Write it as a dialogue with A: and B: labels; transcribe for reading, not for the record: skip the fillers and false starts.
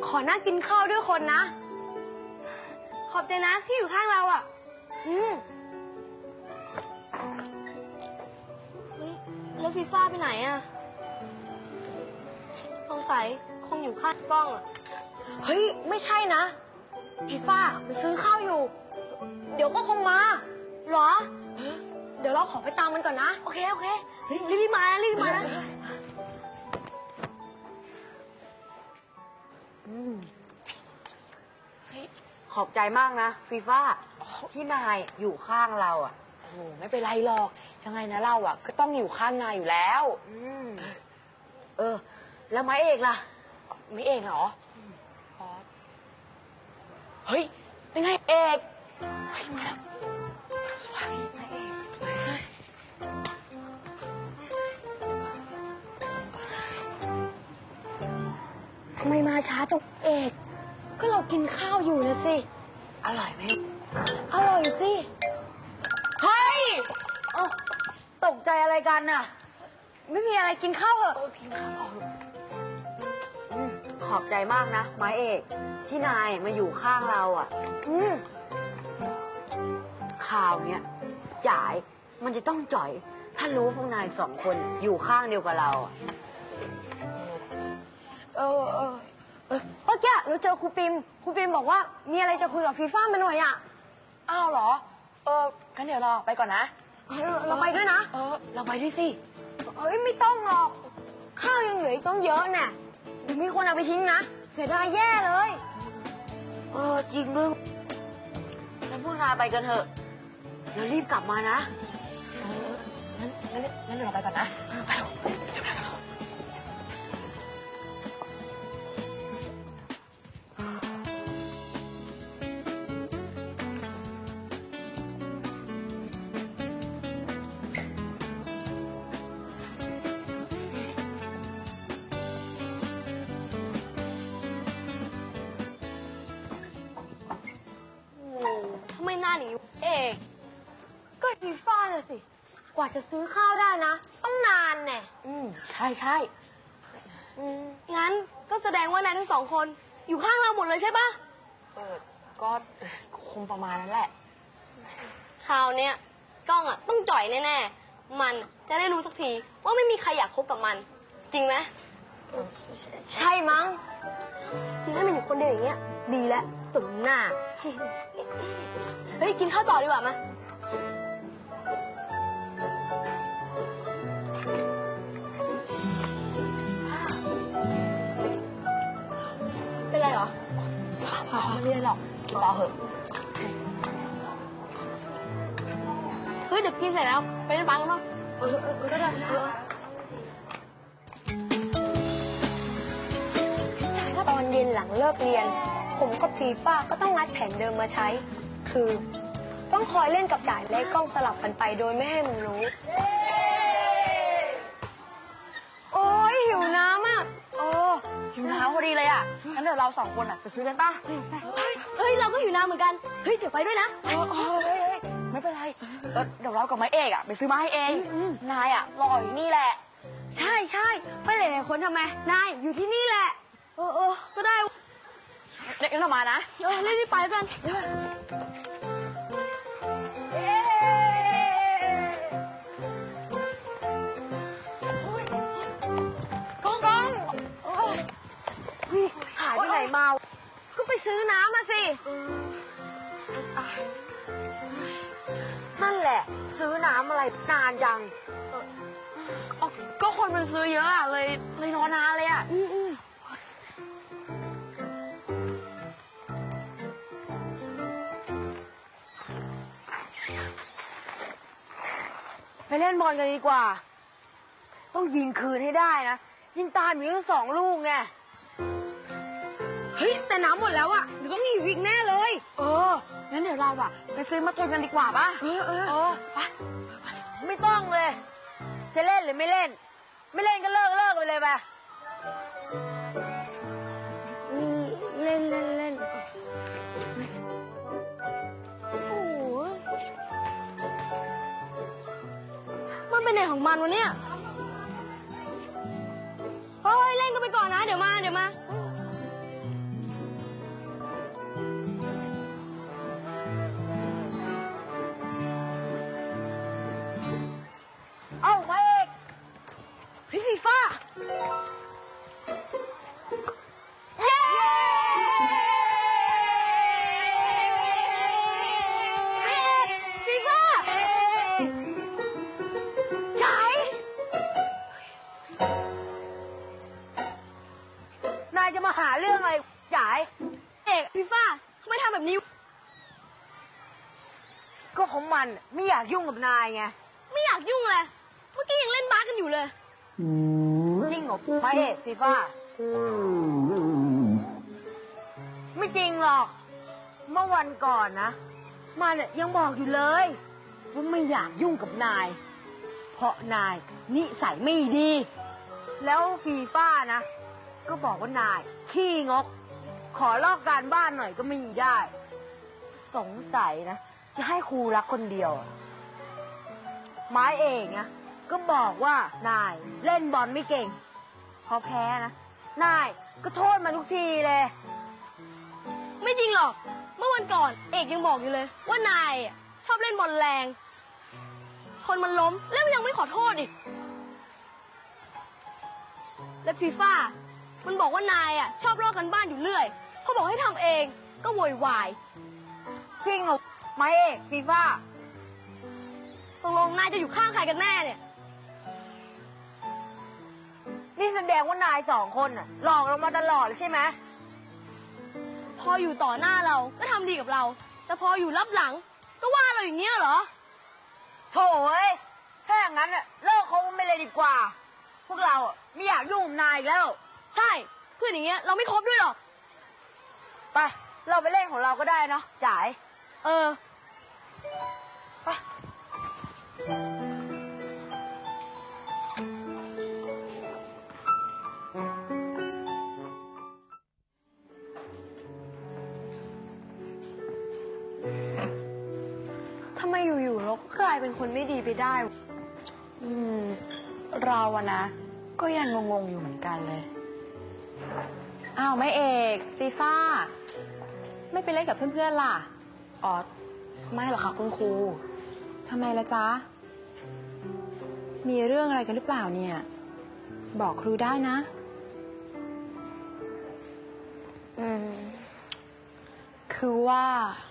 A: ขอนั่งกินข้าวด้วยคนนะขอบใจนะที่อยู่ข้างเราอ่ะแล้วฟีฟ่าไปไหนอ่ะสงสัยคงอยู่ข้างกล้องอ่ะเฮ้ยไม่ใช่นะฟีฟ่าไปซื้อข้าวอยู่เดี๋ยวก็คงมาหรอเดี๋ยวเราขอไปตามมันก่อนนะโอเคโอเครีบมานะรีบมานะ
B: ขอบใจมากนะฟีฟ่าที่นายอยู่ข้างเราอ่ะโอ้ไม่เป็นไรหรอกยังไงนะเราอ่ะก็ต้องอยู่ข้างนายอยู่แล้วแล้วไม้เอกล่ะไม่เอกเหรอเฮ้ยเป็นไงเอกเฮ้ยมาแล้วสวัสดีไม้เอก
A: ทำไมมาช้าจังเอกก็เรากินข้าวอยู่นะสิ
B: อร่อยไหม
A: อร่อยสิ
B: เฮ้ยตกใจอะไรกันน่ะ
A: ไม่มีอะไรกินข้าวเหรอ
B: กินข้าวขอบใจมากนะไม้เอกที่นายมาอยู่ข้างเราอ่ะข่าวเนี้ยจ่ายมันจะต้องจ่อยถ้ารู้พวกนายสองคนอยู่ข้างเดียวกับเราอ่ะ
A: เมื่อกี้เราเจอครูปิมบอกว่ามีอะไรจะคุยกับฟีฟ่ามาหน่อยอ่ะ
B: อ้าวเหรองั้นเดี๋ยวเราไปก่อนนะ
A: เราไปด้วยนะ
B: เราไปด้วยสิ
A: ไม่ต้องหรอกข้าวยังเหลืออีกต้องเยอะน่ะเดี๋ยวมีคนเอาไปทิ้งนะเสียดายแย่เลย
B: จริงด้วยงั้นพวกนายไปกันเถอะเดี๋ยวรีบกลับมานะงั้นเดี๋ยวเราไปก่อนนะไปเร็ว
A: ทำไมนานอย่างนี้เอกก็ฟีฟ่าน่ะสิกว่าจะซื้อข้าวได้นะต้องนานแน่
B: ใช่
A: งั้นก็แสดงว่านายทั้งสองคนอยู่ข้างเราหมดเลยใช่ปะ
B: ก็คงประมาณนั้นแหละ
A: คราวเนี้ยกล้องอ่ะต้องจ่อยแน่ๆมันจะได้รู้สักทีว่าไม่มีใครอยากคบกับมันจริงไหมใช่มั้งที่ให้มันอยู่คนเดียวอย่างเงี้ยดีแล้วสมหน้าเฮ้ยกินข้าวต่อดีกว่ามาเป็นไรเหรอ
B: ไม่เป็นไรหรอกกินต่อเหอะ
A: เฮ้ยเดี๋ยวกินเสร็จแล้วไปเล่นบาสกันมั้ง
B: ก็ได้
A: ตอนเย็นหลังเลิกเรียนผมกับฟีฟ่าก็ต้องงัดแผนเดิมมาใช้คือต้องคอยเล่นกับจ่ายและกล้องสลับกันไปโดยไม่ให้มันรู้โอ้ยหิวน้ำอ่ะ
B: หิวน้ำพอดีเลยอ่ะงั้นเดี๋ยวเราสองคนอ่ะไปซื้อกันป่ะ
A: เฮ้ยเราก็หิวน้ำเหมือนกันเฮ้ยเดี๋ยวไปด้วยนะ
B: ไม่เป็นไรเดี๋ยวเรากับไม้เอกอ่ะไปซื้อมาให้เองนายอ่ะรออยู่นี่แหละ
A: ใช่ไปหลายๆคนทำไมนายอยู่ที่นี่แหละก็ได้
B: เด็กเรามานะ
A: รีบไปกันก้อง
B: หายไปไหนมา
A: ก็ไปซื้อน้ำมาสิ
B: นั่นแหละซื้อน้ำอะไรนานจัง
A: ก็คนมันซื้อเยอะอ่ะเลยรอนานเลยอ่ะ
B: ไปเล่นบอลกันดีกว่าต้องยิงคืนให้ได้นะยิงตามมีทั้ง2 ลูกไง
A: เฮ้ยแต่น้ำหมดแล้วอ่ะเดี๋ยวต้องหิวอีกแน่เลย
B: งั้นเดี๋ยวเราอ่ะไปซื้อมาตุนกันดีกว่าป่ะไปไม่ต้องเลยจะเล่นหรือไม่เล่นไม่เล่นก็เลิกไปเลยป่ะ
A: เล่นมันเป็นไหนของมันวะเนี่ยเฮ้ยเล่นกันไปก่อนนะเดี๋ยวมา
B: จะมาหาเรื่องอะไรจ่าย
A: เอกฟีฟ่าทำไมทำแบบนี้
B: ก็ของมันไม่อยากยุ่งกับนายไง
A: ไม่อยากยุ่งเลย เมื่อกี้ยังเล่นบาสกันอยู่เลย
B: จริงเหรอพระเอกฟีฟ่าไม่จริงหรอก เมื่อวันก่อนนะมันยังบอกอยู่เลยว่าไม่อยากยุ่งกับนาย เพราะนายนิสัยไม่ดี แล้วฟีฟ่านะ ก็บอกว่านายขี้งก ขอลอกการบ้านหน่อยก็ไม่ได้ สงสัยนะ จะให้ครูรักคนเดียวอะไม้เองนะก็บอกว่านายเล่นบอลไม่เก่ง พอแพ้นะนายก็โทษมาทุกทีเลย
A: ไม่จริงหรอก เมื่อวันก่อนเอกยังบอกอยู่เลย ว่านายอะชอบเล่นบอลแรง คนมันล้มแล้วยังไม่ขอโทษอีก และฟีฟ่ามันบอกว่านายอ่ะชอบลอกกันบ้านอยู่เรื่อยพอบอกให้ทำเองก็โวยวาย
B: จริงเหรอไม้เอกฟีฟ่า
A: ตกลงนายจะอยู่ข้างใครกันแน่เนี่ย
B: นี่แสดงว่านายสองคนน่ะหลอกเรามาตลอดเลยใช่ไหม
A: พออยู่ต่อหน้าเราก็ทำดีกับเรา แต่พออยู่รับหลังก็ว่าเราอย่างเงี้ยเหรอ
B: โถ่เอ้ยถ้าอย่างนั้นน่ะเลิกคบกันไปเลยดีกว่า พวกเราอ่ะไม่อยากยุ่งกับนายอีกแล้ว
A: ใช่ เพื่อนอย่างเงี้ยเราไม่คบด้วยหรอก
B: ไป เราไปเล่นของเราก็ได้เนาะจ่าย
A: เออ
B: ไป
C: ทำไมอยู่ๆเราก็กลายเป็นคนไม่ดีไปได้ เราอะนะ ก็ยังงงๆอยู่เหมือนกันเลย อ้าวไม่เอกฟีฟ่า ไม่ไปเล่นกับเพื่อนๆล่ะ อ๋อ ไม่หรอกค่ะคุณครู ทำไมล่ะจ๊ะ มีเรื่องอะไรกันหรือเปล่าเนี่ย บอกครูได้นะ คือว่า